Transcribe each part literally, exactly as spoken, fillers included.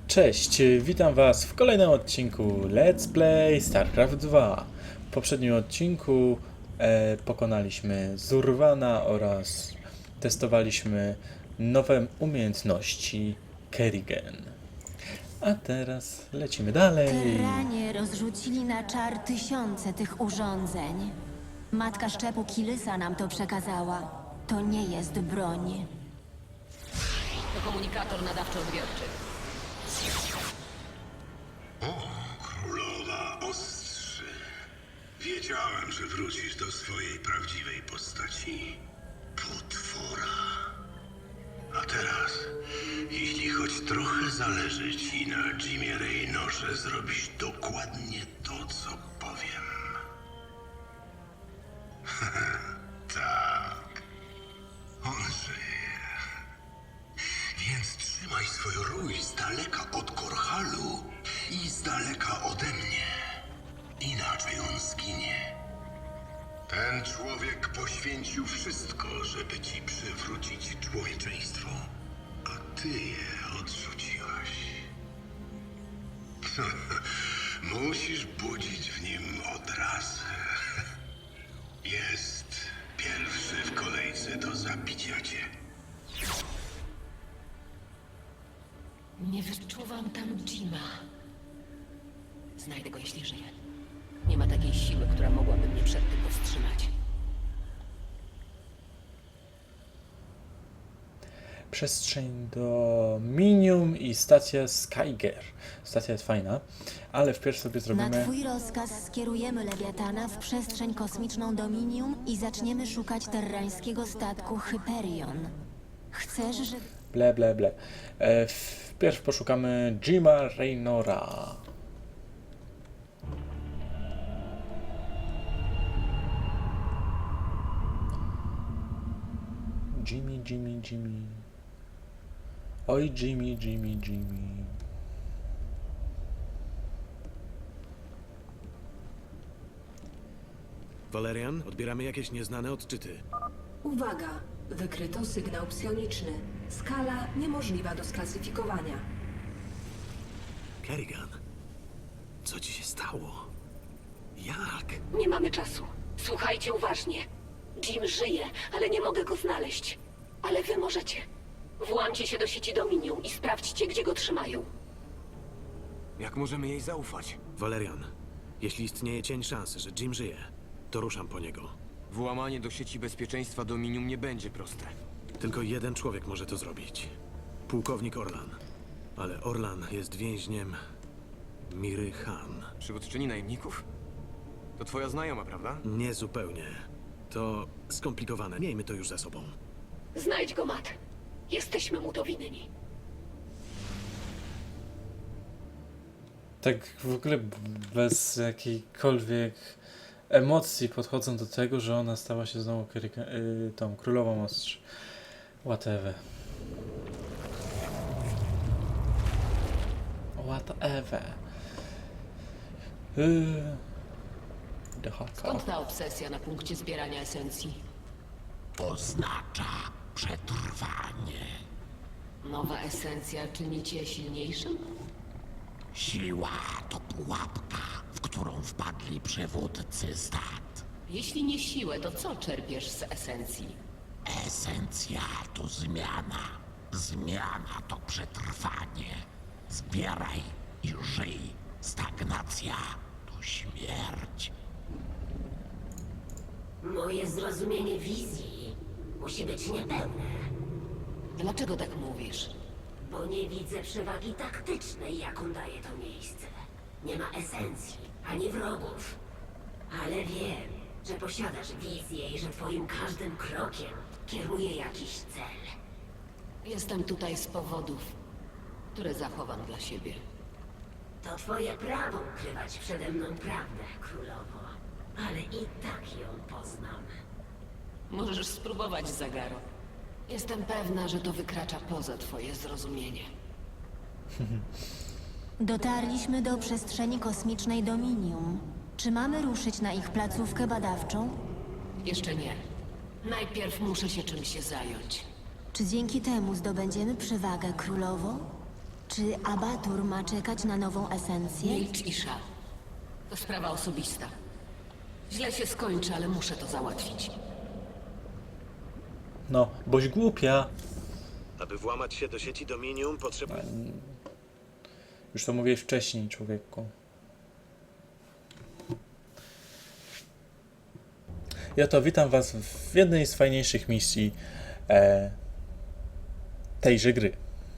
Cześć, witam Was w kolejnym odcinku Let's Play StarCraft dwa. W poprzednim odcinku e, pokonaliśmy Zurwana oraz testowaliśmy nowe umiejętności Kerrigan. A teraz lecimy dalej. Terranie rozrzucili na czar tysiące tych urządzeń. Matka szczepu Kilysa nam to przekazała. To nie jest broń. To komunikator nadawczo-odbiorczy. Królowa Ostrzy. Wiedziałem, że wrócisz do swojej prawdziwej postaci. Potwora. A teraz, jeśli choć trochę zależy ci na Jimie Raynorze, zrobisz dokładnie to, co powiem. Tak. On żyje. Więc trzymaj swoją rój z daleka od Korhalu i z daleka ode mnie. Inaczej on zginie. Ten człowiek poświęcił wszystko, żeby ci przywrócić człowieczeństwo, a ty je odrzuciłaś. Musisz budzić w nim odrazę. Jest pierwszy w kolejce do zabicia cię. Nie wyczuwam tam Jima. Znajdę go, jeśli żyje. Nie ma takiej siły, która mogłaby mnie przed tym powstrzymać. Przestrzeń do Minium i stacja Skyger. Stacja jest fajna, ale wpierw sobie Na zrobimy... twój rozkaz skierujemy Lewiatana w przestrzeń kosmiczną Dominium i zaczniemy szukać terrańskiego statku Hyperion. Chcesz, że... Ble, ble, ble. E, wpierw poszukamy Jima Raynora. Jimmy, Jimmy, Jimmy. Oj, Jimmy, Jimmy, Jimmy. Valerian, odbieramy jakieś nieznane odczyty. Uwaga! Wykryto sygnał psioniczny. Skala niemożliwa do sklasyfikowania. Kerrigan, co ci się stało? Jak? Nie mamy czasu. Słuchajcie uważnie. Jim żyje, ale nie mogę go znaleźć. Ale wy możecie. Włamcie się do sieci Dominium i sprawdźcie, gdzie go trzymają. Jak możemy jej zaufać? Valerian, jeśli istnieje cień szansy, że Jim żyje, to ruszam po niego. Włamanie do sieci bezpieczeństwa Dominium nie będzie proste. Tylko jeden człowiek może to zrobić. Pułkownik Orlan. Ale Orlan jest więźniem Miry Han. Przywódczyni najemników? To twoja znajoma, prawda? Nie zupełnie. To skomplikowane. Miejmy to już za sobą. Znajdź go, Matt. Jesteśmy mu to winni. Tak w ogóle b- bez jakiejkolwiek emocji podchodzą do tego, że ona stała się znowu Kerrigan, y, tą królową ostrzy. Whatever. Whatever. Yy. Skąd ta obsesja na punkcie zbierania esencji? Oznacza przetrwanie. Nowa esencja czyni cię silniejszym? Siła to pułapka, w którą wpadli przywódcy stat. Jeśli nie siłę, to co czerpiesz z esencji? Esencja to zmiana. Zmiana to przetrwanie. Zbieraj i żyj. Stagnacja to śmierć. Moje zrozumienie wizji musi być niepełne, Dlaczego tak mówisz? bo nie widzę przewagi taktycznej, jaką daje to miejsce. Nie ma esencji, ani wrogów. Ale wiem, że posiadasz wizję i że twoim każdym krokiem kieruje jakiś cel. Jestem tutaj z powodów, które zachowam dla siebie. To twoje prawo ukrywać przede mną prawdę, królowo. Ale i tak ją poznam. Możesz spróbować, Zagaro. Jestem pewna, że to wykracza poza twoje zrozumienie. Dotarliśmy do przestrzeni kosmicznej Dominium. Czy mamy ruszyć na ich placówkę badawczą? Jeszcze nie. Najpierw muszę się czymś zająć. Czy dzięki temu zdobędziemy przewagę, królowo? Czy Abatur ma czekać na nową esencję? Milcz, Isha. To sprawa osobista. Źle się skończy, ale muszę to załatwić. No, boś głupia. Aby włamać się do sieci Dominium, potrzebuje... Już to mówiłeś wcześniej, człowieku. Ja to witam was w jednej z fajniejszych misji e, tejże gry.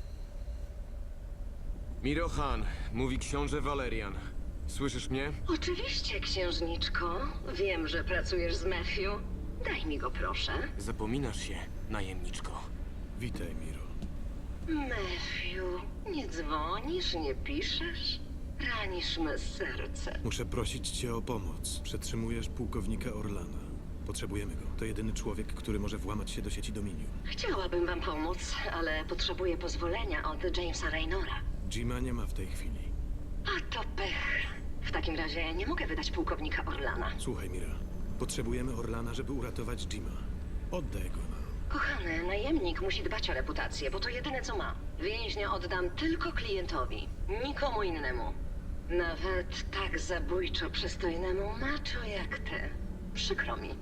Mirohan, mówi książę Valerian. Słyszysz mnie? Oczywiście, księżniczko. Wiem, że pracujesz z Matthew. Daj mi go, proszę. Zapominasz się, najemniczko. Witaj, Miro. Matthew, nie dzwonisz, nie piszesz? Ranisz me serce. Muszę prosić cię o pomoc. Przetrzymujesz pułkownika Orlana. Potrzebujemy go. To jedyny człowiek, który może włamać się do sieci Dominium. Chciałabym wam pomóc, ale potrzebuję pozwolenia od Jamesa Raynora. Jima nie ma w tej chwili. A to pech. W takim razie nie mogę wydać pułkownika Orlana. Słuchaj, Mira. Potrzebujemy Orlana, żeby uratować Jima. Oddaj go nam. Kochany, najemnik musi dbać o reputację, bo to jedyne co ma. Więźnia oddam tylko klientowi, nikomu innemu. Nawet tak zabójczo przystojnemu macho jak ty. Przykro mi.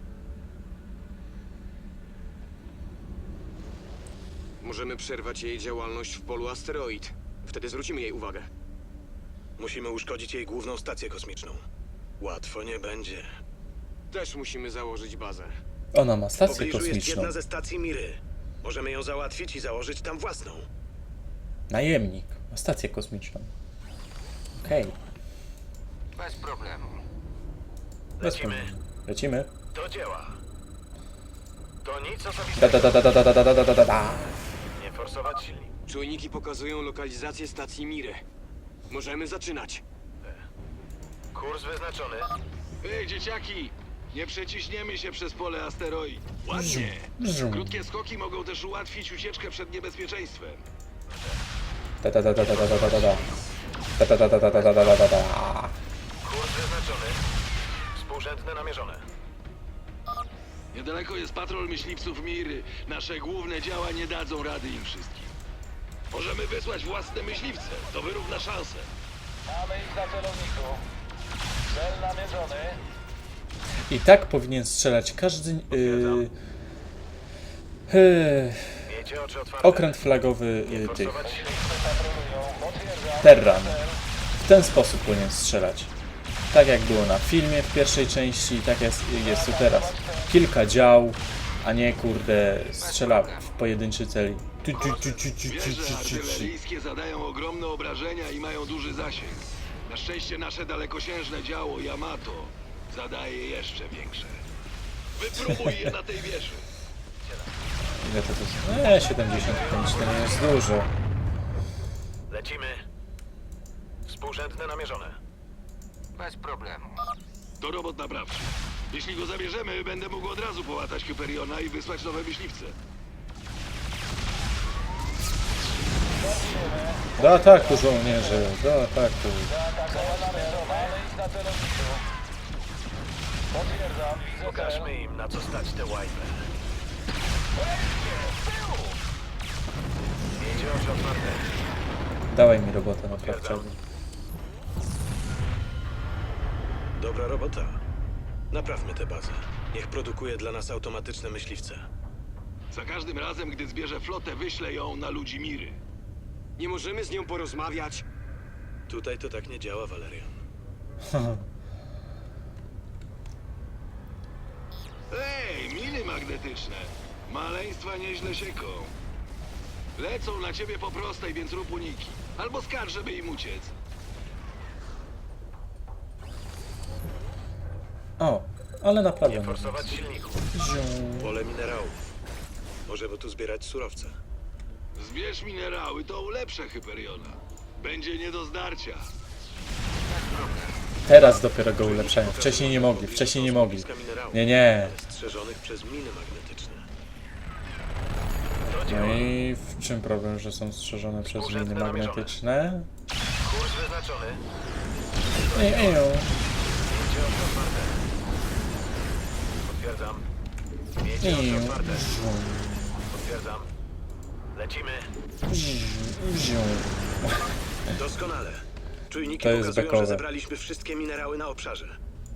Możemy przerwać jej działalność w polu asteroid. Wtedy zwrócimy jej uwagę. Musimy uszkodzić jej główną stację kosmiczną. Łatwo nie będzie. Też musimy założyć bazę. Ona ma W stację pobliżu jest kosmiczną. jedna ze stacji Miry. Możemy ją załatwić i założyć tam własną. Najemnik ma stację kosmiczną. Okej, Bez problemu. bez problemu. Lecimy. Do dzieła. To nic Da osobistego. da da da da da da da da da da. Nie forsować silnik. Czujniki pokazują lokalizację stacji Miry. Możemy zaczynać. Kurs wyznaczony. Ej, dzieciaki! Nie przeciśniemy się przez pole asteroid. Ładnie. Brzum. Krótkie skoki mogą też ułatwić ucieczkę przed niebezpieczeństwem. Da da da da da da da da da da. Da da da da da da da da da da. Kurs wyznaczony. Współrzędne namierzone. Niedaleko jest patrol myśliwców Miry. Nasze główne działa nie dadzą rady im wszystkim. Możemy wysłać własne myśliwce. To wyrówna szanse. Mamy ich na celowniku. Cel namierzony. I tak powinien strzelać każdy yy, yy, Miejcie oczy otwarte. okręt flagowy yy, tych Myśliwce patrolują. Potwierdzam. Terran. W ten sposób powinien strzelać. Tak jak było na filmie w pierwszej części, tak jest, jest tu teraz. Kilka dział, a nie kurde strzela w pojedynczy cel. Tu, tu, tu, tu, tu, tu, Wieże tu, tu, tu. artyleryjskie zadają ogromne obrażenia i mają duży zasięg. Na szczęście nasze dalekosiężne działo Yamato zadaje jeszcze większe. Wypróbuj je na tej wieży. Ile to jest? Eee, siedemdziesiąt pięć to nie jest dużo. Lecimy. Współrzędne namierzone. Bez problemu. To robot naprawczy. Jeśli go zabierzemy, będę mógł od razu połatać Hyperiona i wysłać nowe myśliwce. Do ataku żołnierze, do ataku. Mamy ich na celowniku. Potwierdzam. Widzę cel. Pokażmy im, na co stać te łajby. Miejcie oczy otwarte. Dawaj mi robotę naprawczego. Dobra robota. Naprawmy tę bazę. Niech produkuje dla nas automatyczne myśliwce. Za każdym razem, gdy zbierze flotę, wyślę ją na ludzi Miry. Nie możemy z nią porozmawiać. Tutaj to tak nie działa, Valerian. Ej, miny magnetyczne. Maleństwa nieźle sieką. Lecą na ciebie po prostej, więc rób uniki. Albo skarż, żeby im uciec. O, ale naprawdę. Nie forsować silników. Zium. Pole minerałów. Możemy tu zbierać surowce. Zbierz minerały, to ulepszę Hyperiona. Będzie nie do zdarcia. Teraz dopiero go ulepszają. Wcześniej nie mogli, wcześniej nie mogli. Nie, nie. Strzeżonych przez miny magnetyczne. No i w czym problem, że są strzeżone przez miny magnetyczne? Kurs wyznaczony. Ej, ej, o. Miejcie oczy otwarte. Potwierdzam. Miejcie Ej, oczy otwarte. żum. Potwierdzam. Lecimy. Ziu. Doskonale. Czujniki To jest pokazują, bekowe. że zebraliśmy wszystkie minerały na obszarze.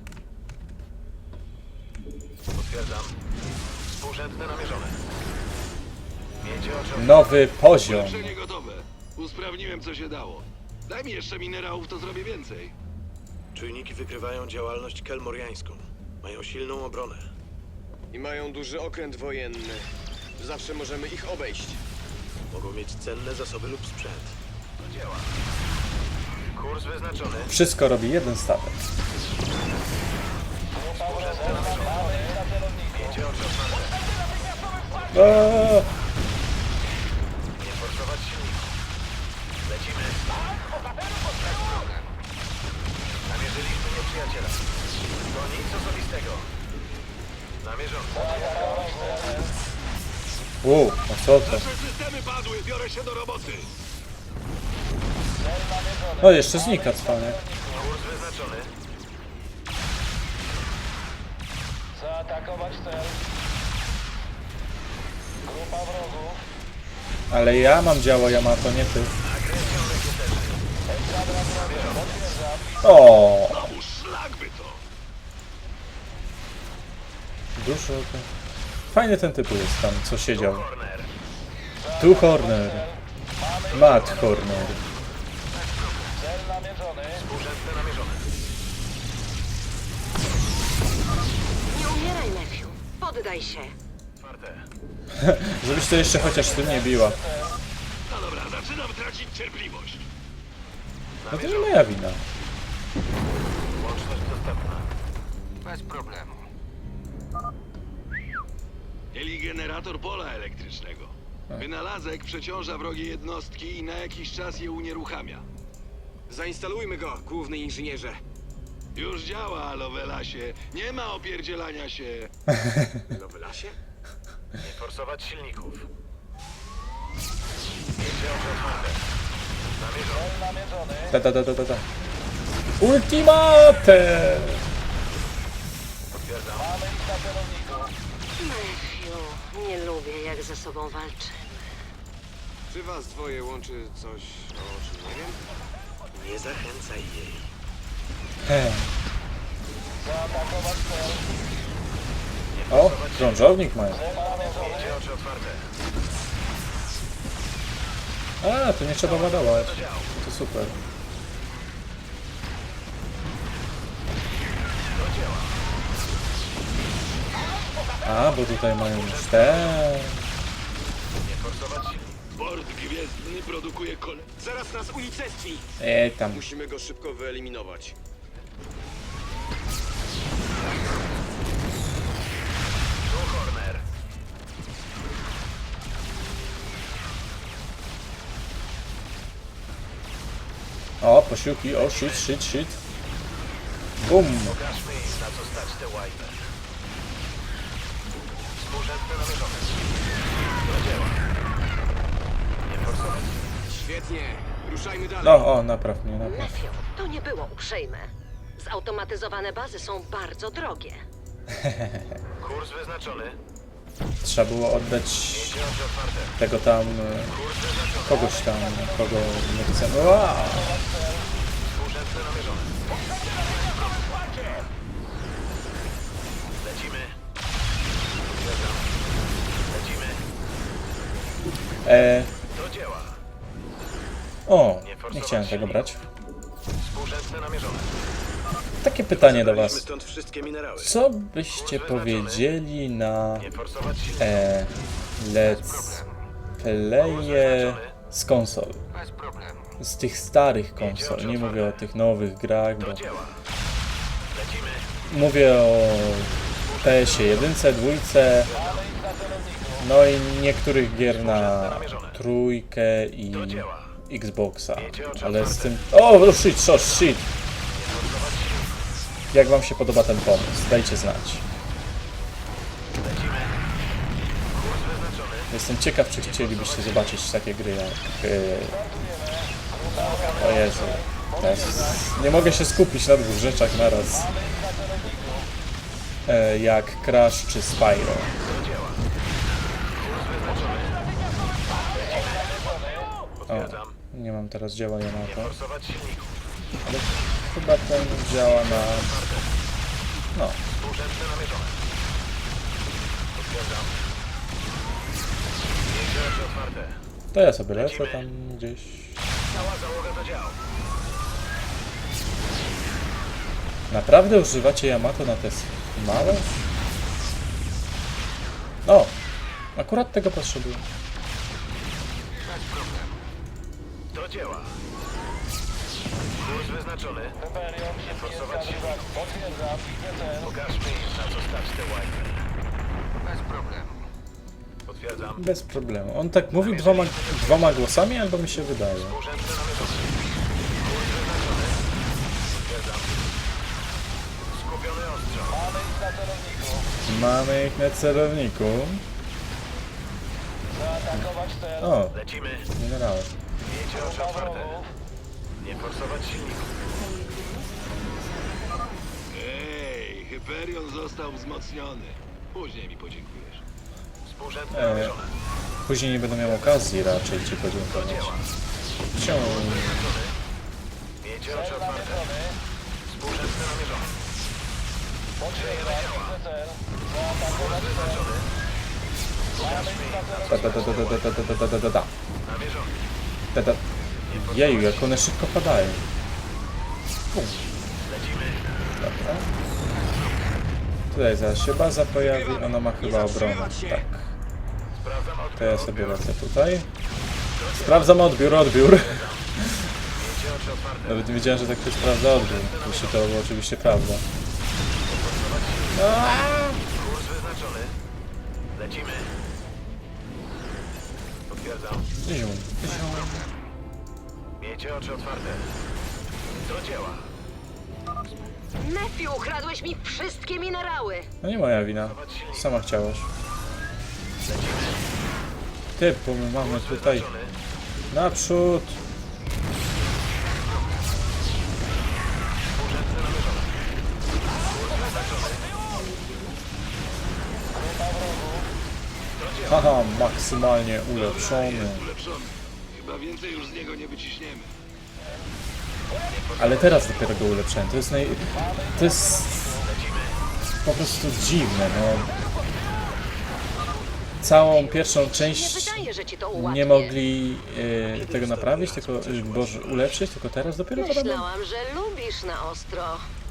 Potwierdzam. Współrzędne namierzone. Wiecie o czym... Nowy poziom. Ulepszenie gotowe. Usprawniłem co się dało. Daj mi jeszcze minerałów, to zrobię więcej. Czujniki wykrywają działalność kelmoriańską. Mają silną obronę. I mają duży okręt wojenny. Zawsze możemy ich obejść. Mogą mieć cenne zasoby lub sprzęt. Do dzieła. Kurs wyznaczony. Wszystko robi jeden statek. Wiecie o czym mamy. Eee, Nie forsować silników. Lecimy. Namierzyliśmy nieprzyjaciela. To nic osobistego. Namierzony. u, a co to? Nasze systemy padły, biorę się do roboty. O, jeszcze znika cwaniak. Kurs wyznaczony. Zaatakować cel. Grupa wrogów. Ale ja mam działo Yamato, nie ty. O, Znowu szlak by to. dużo. Fajny ten typu jest tam, co siedział. Corner. Tu Horner. Matt Horner. Cel namierzony. Współrzędne namierzone. Nie umieraj, Matthew. Poddaj się. Czwarte. Żebyś to jeszcze chociaż tym nie biła. No dobra, zaczynam tracić cierpliwość. No to nie moja wina. Łączność dostępna. Bez problemu. Mieli generator pola elektrycznego. Wynalazek przeciąża wrogie jednostki i na jakiś czas je unieruchamia. Zainstalujmy go, główny inżynierze. Już działa, Lovelasie. Nie ma opierdzielania się. No w lasie? Nie forsować silników. Wiecie o czym mamy. Namierzony. Cel namierzony. Ta ta ta ta ta ta. Ultimate! Potwierdzam. Mamy ich na celowniku. Matthew, nie lubię, jak ze sobą walczymy. Czy was dwoje łączy coś, o czym nie wiem? Nie zachęcaj jej. He. Zaatakować cel. O, krążownik mają. Cel namierzony. Wiecie oczy otwarte. A, to nie trzeba ładować. To super. A, bo tutaj mają już te. Nie forsować silników. Port gwiezdny produkuje kole... Zaraz nas unicestwi! E, tam. Musimy go szybko wyeliminować. Tu Horner. O, posiłki, o, shit, shit, shit. Bum. Pokażmy im, na co stać te łajby. Współrzędne namierzone. Do dzieła. Nie forsować. Świetnie, ruszajmy dalej. No, o, napraw mnie, napraw. Matthew, to nie było uprzejme. Zautomatyzowane bazy są bardzo drogie. Kurs wyznaczony. Trzeba było oddać Wiecie oczy otwarte. tego tam, e, Kurs wyznaczony. kogoś tam, kogo nie chcemy. Wow. Współrzędne namierzone. Lecimy. Potwierdzam. Lecimy. E, Do dzieła. o, nie chciałem tego brać. Współrzędne namierzone. Takie pytanie do Zabraliśmy was. stąd wszystkie minerały. Co byście powiedzieli na Nie forsować silników. e, let's playe z konsol? Bez problemu. Z tych starych konsol, nie mówię o tych nowych grach, bo Do dzieła. Lecimy. mówię o P S ie jeden, dwójce, no i niektórych gier na trójkę i Xboxa, ale z tym... O, shit, shit, shit! Jak wam się podoba ten pomysł? Dajcie znać. Lecimy. Kurs wyznaczony. Jestem ciekaw, czy chcielibyście zobaczyć takie gry jak... Yy... O Jezu. Teraz nie mogę się skupić na dwóch rzeczach naraz. E, jak Crash czy Spyro. Do dzieła. Kurs wyznaczony. Lecimy. Potwierdzam. nie mam teraz działa Nie Yamato. forsować silników. Ale chyba ten działa na... No, Współrzędne namierzone. Potwierdzam. Miejcie oczy otwarte. to ja sobie lecę tam gdzieś. Cała załoga do działu. Naprawdę używacie Yamato na te małe? O! Akurat tego potrzebuję. Do dzieła. Kurs wyznaczony. Rebelion, Nie forsować wszystkie silników. skady. Potwierdzam, widzę cel. Pokażmy im, na co stać te łajby. Bez problemu. Potwierdzam. Bez problemu. On tak mówił dwoma, dwoma głosami, albo mi się wydaje. Współrzędne namierzone. Kurs wyznaczony. Potwierdzam. Skupiony ostrzał. Mamy ich na celowniku. Mamy ich na celowniku. Zaatakować cel. O, Lecimy. minerały. Miejcie oczy Grupa otwarte. wrogów. Nie forsować silników. Ej, Hyperion został wzmocniony. Później mi podziękujesz. Współrzędne E, namierzone. Później nie będę miał okazji raczej ci Do podziękować. dzieła. Ciągle. Miejcie oczy Cel otwarte. namierzony. Współrzędne namierzone. Potwierdzam, widzę cel. Zaatakować cel. Mamy ich na Da, da, da, da, da, da, da, da, da, da, da. Namierzony. Da, da. Jeju, jak one szybko padają. Pum. Lecimy. Dobra. Tutaj zaraz się baza pojawi, ona ma chyba obronę. Tak. Sprawdzam odbiór. To ja sobie lecę tutaj. Sprawdzam odbiór, odbiór. Miejcie oczy otwarte. Nawet nie wiedziałem, że tak ktoś sprawdza odbiór. Jeśli to było oczywiście prawda. Kurs wyznaczony. Lecimy. Potwierdzam. Zium. Miejcie oczy otwarte. Do dzieła. Matthew, ukradłeś mi wszystkie minerały. No nie moja wina. Sama chciałaś. Ty, bo my mamy tutaj Wyznaczony. naprzód. Współrzędne namierzone. Kurs wyznaczony. Haha, maksymalnie ulepszony. Ulepszony. Chyba więcej już z niego nie wyciśniemy. Ale teraz dopiero go ulepszyłem. To jest naj... To jest... po prostu dziwne, no. Całą pierwszą Nie część wydaje, że ci to ułatwi. nie mogli e, tego naprawić, tylko e, boże, ulepszyć, tylko teraz dopiero to robią. Myślałam, że lubisz na ostro.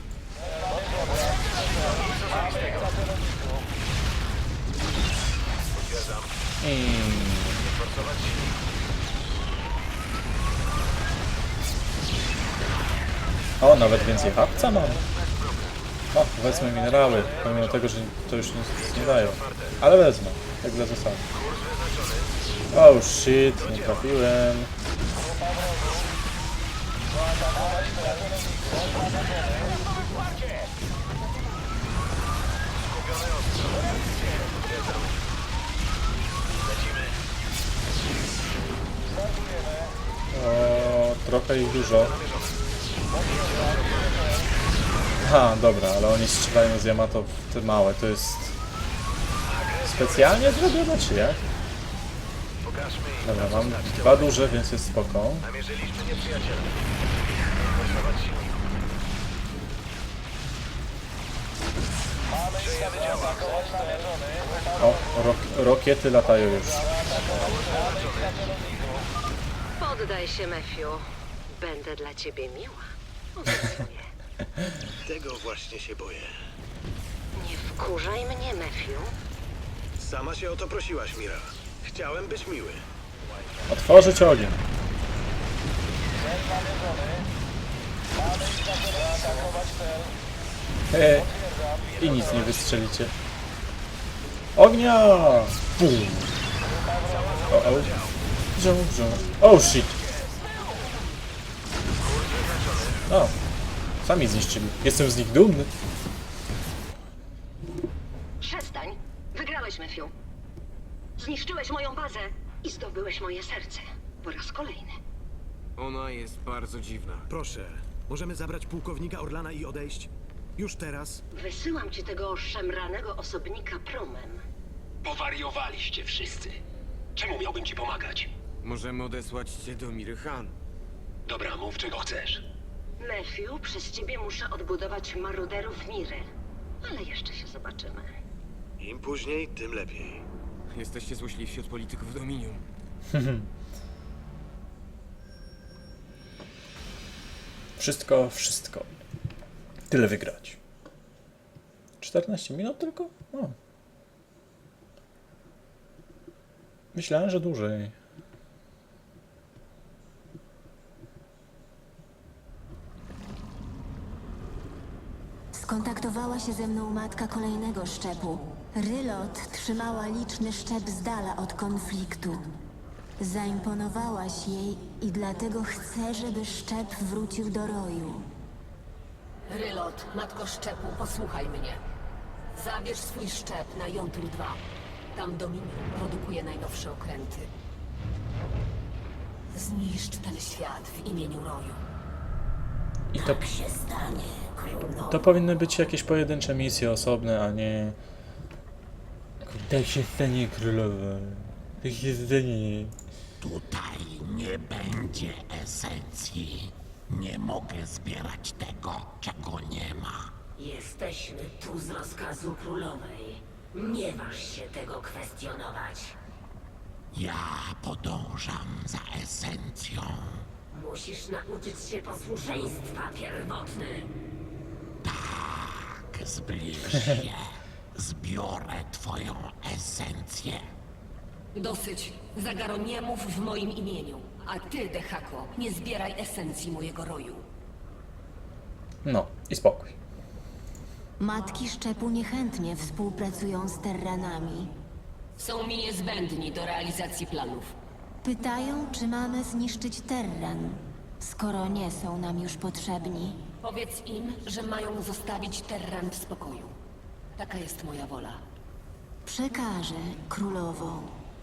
Potwierdzam. I... Forsować silników. O, nawet więcej hapca mam. O, wezmę minerały, pomimo tego, że to już nic nie dają. Ale wezmę, jak za zasadę. Kurs wyznaczony. Oh shit, nie trafiłem. Skupiony ostrzał. Potwierdzam. Lecimy. O, trochę ich dużo. Ha, dobra, ale oni strzelają z Yamato w te małe, to jest... specjalnie zrobione, czy jak? Pokażmy im, Dobra, na co mam stać te dwa łajby. duże, więc jest spoko. Namierzyliśmy nieprzyjaciela. Forsować silników. Przejemy działa. O, rok, rokiety latają już. Poddaj się, Matthew. Będę dla ciebie miła. Tego właśnie się boję. Nie wkurzaj mnie, Matthew. Sama się o to prosiłaś, Mira. Chciałem być miły. Otworzyć ogień. He, i nic nie wystrzelicie. Ognia! Bum. O, o. Wziął, wziął. Oh shit! O, sami zniszczyli. Jestem z nich dumny. Przestań. Wygrałeś, Matthew. Zniszczyłeś moją bazę i zdobyłeś moje serce. Po raz kolejny. Ona jest bardzo dziwna. Proszę, możemy zabrać pułkownika Orlana i odejść? Już teraz? Wysyłam ci tego szemranego osobnika promem. Powariowaliście wszyscy. Czemu miałbym ci pomagać? Możemy odesłać cię do Miry Han. Dobra, mów czego chcesz. Matthew, przez ciebie muszę odbudować maruderów Miry. Ale jeszcze się zobaczymy. Im później, tym lepiej. Jesteście złośliwsi od polityków Dominium. Wszystko, wszystko. Tyle wygrać. czternaście minut tylko? No. Myślałem, że dłużej. Skontaktowała się ze mną matka kolejnego szczepu. Rylot trzymała liczny szczep z dala od konfliktu. Zaimponowałaś jej i dlatego chcę, żeby szczep wrócił do roju. Rylot, matko szczepu, posłuchaj mnie. Zabierz swój szczep na Jontur dwa. Tam Dominium produkuje najnowsze okręty. Zniszcz ten świat w imieniu roju. I to, się stanie, królowo. to powinny być jakieś pojedyncze misje osobne, a nie... Tak się stanie królowa. Tak się stanie... Tutaj nie będzie esencji. Nie mogę zbierać tego, czego nie ma. Jesteśmy tu z rozkazu królowej. Nie waż się tego kwestionować. Ja podążam za esencją. Musisz nauczyć się posłuszeństwa, pierwotny. Tak, zbliż się. Zbiorę twoją esencję. Dosyć. Zagaro, nie mów w moim imieniu. A ty, Dehako, nie zbieraj esencji mojego roju. No, i spokój. Matki szczepu niechętnie współpracują z Terranami. Są mi niezbędni do realizacji planów. Pytają, czy mamy zniszczyć Terran, skoro nie są nam już potrzebni. Powiedz im, że mają zostawić Terran w spokoju. Taka jest moja wola. Przekażę, królowo.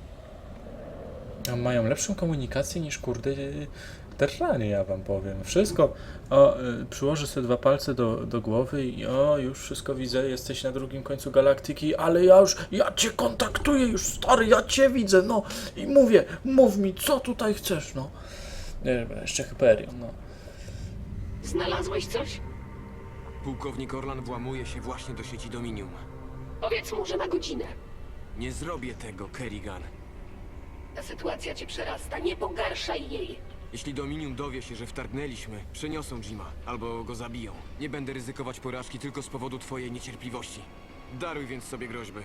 A mają lepszą komunikację niż kurde Terranie, ja wam powiem. Wszystko. O, y, przyłożę sobie dwa palce do, do głowy i o, już wszystko widzę, jesteś na drugim końcu galaktyki, ale ja już, ja cię kontaktuję już, stary, ja cię widzę, no. I mówię, mów mi, co tutaj chcesz, no. Nie, jeszcze Hyperion, no. Znalazłeś coś? Pułkownik Orlan włamuje się właśnie do sieci Dominium. Powiedz mu, że na godzinę. Nie zrobię tego, Kerrigan. Ta sytuacja cię przerasta, nie pogarszaj jej. Jeśli Dominium dowie się, że wtargnęliśmy, przeniosą Jima albo go zabiją. Nie będę ryzykować porażki tylko z powodu twojej niecierpliwości. Daruj więc sobie groźby.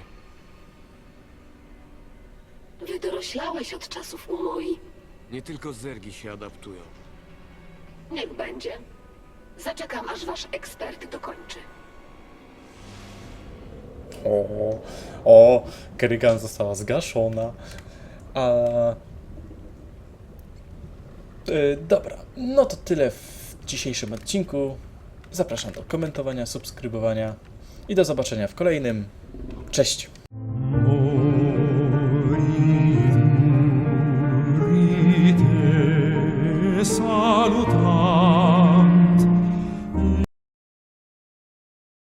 Wydoroślałeś od czasów Umoi. Nie tylko zergi się adaptują. Niech będzie. Zaczekam, aż wasz ekspert dokończy. O, o, Kerrigan została zgaszona. A... Yy, dobra, no to tyle w dzisiejszym odcinku. Zapraszam do komentowania, subskrybowania i do zobaczenia w kolejnym. Cześć!